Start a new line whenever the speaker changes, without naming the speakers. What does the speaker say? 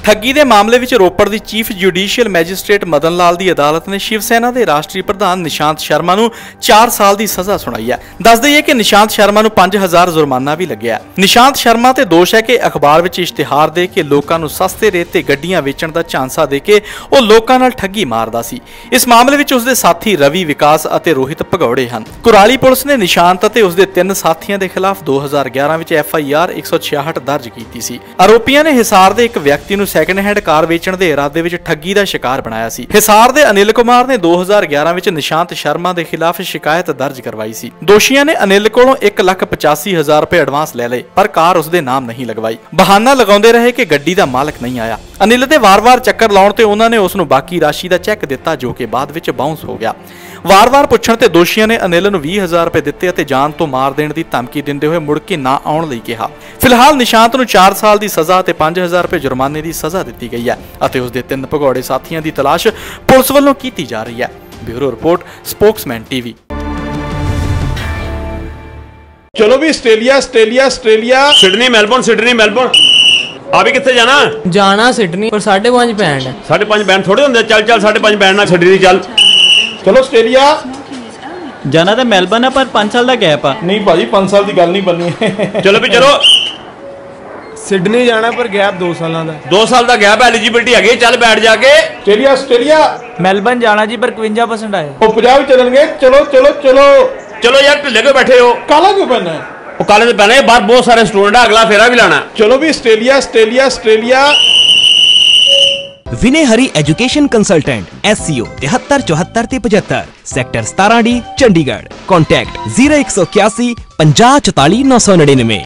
ठगी के मामले में रोपड़ की chief judicial magistrate Madan Lal की अदालत ने शिव सेना के राष्ट्रीय प्रधान निशांत शर्मा को 4 साल की सज़ा सुनाई है। दस दईए कि निशांत शर्मा को 5000 जुर्माना भी लग्या। निशांत शर्मा ते दोष है कि अखबार में इश्तिहार दे के लोगों को सस्ते रेट ते गड्डियां वेचण का झांसा दे के वो लोगों नाल ठगी मारदा सी। इस मामले में उसके साथी रवि विकास और रोहित भगौड़े हैं। कुराली पुलिस ने निशांत और उसके 3 साथियों के खिलाफ 2011 में FIR 166 दर्ज की सी। आरोपियों ने हिसार के एक व्यक्ति को सैकेंड हैंड कार वेचण के इरादे में ठगी का शिकार बनाया सी। हिसार के अनिल कुमार ने 2011 में निशांत शर्मा के खिलाफ शिकायत दर्ज करवाई सी। दोषियों ने अनिल को 1,85,000 रुपए एडवांस ले ले पर कार उसके नाम नहीं लगवाई। बहाना लगाते रहे कि गड्डी का मालक नहीं आया। अनिल के वार-वार चक्कर लाने ते उन्होंने उसनू बाकी राशि का चैक दिता जो कि बाद में बाउंस हो गया। वार-वार पुछण ते दोषियों ने अनिल को 20,000 रुपए दिते ते जान तो मार देने की धमकी देंदे हुए मुड़ के ना आउण लई कहा। फिलहाल निशांत को 4 साल की सज़ा ते 5,000 रुपए जुर्माने की सज़ा दी गई है और उसके 3 भगौड़े साथियों की तलाश पुलिस वालों की जा रही है। Bureau report, spokesman TV।
चलो भी ऑस्ट्रेलिया
सिडनी मेलबोर्न अभी कितने जाना
सिडनी पर 5.5 बैंड है।
5.5 बैंड थोड़े होंगे। चल 5.5 बैंड ना सिडनी चल।
चलो ऑस्ट्रेलिया
जाना तो मेलबर्न है पर 5 साल का गैप है।
नहीं भाजी 5 साल की गल नहीं बननी।
चलो भी चलो
सिडनी जाना पर गैप 2 साल का।
2 साल का गैप एलिजिबिलिटी है। चल बैठ जाके
ऑस्ट्रेलिया
मेलबर्न जाना जी पर 51% आए।
वो 50 चलेंगे। चलो चलो चलो
चलो यार ढिले क्यों बैठे हो?
काला क्यों पहना है?
वो काले से पहने बाहर बहुत सारे स्टूडेंट है। अगला फेरा भी लाना।
चलो भी Australia
Vinay Hari education consultant SCO 73 74 75 sector 17D Chandigarh. Contact 0181 50 44 999।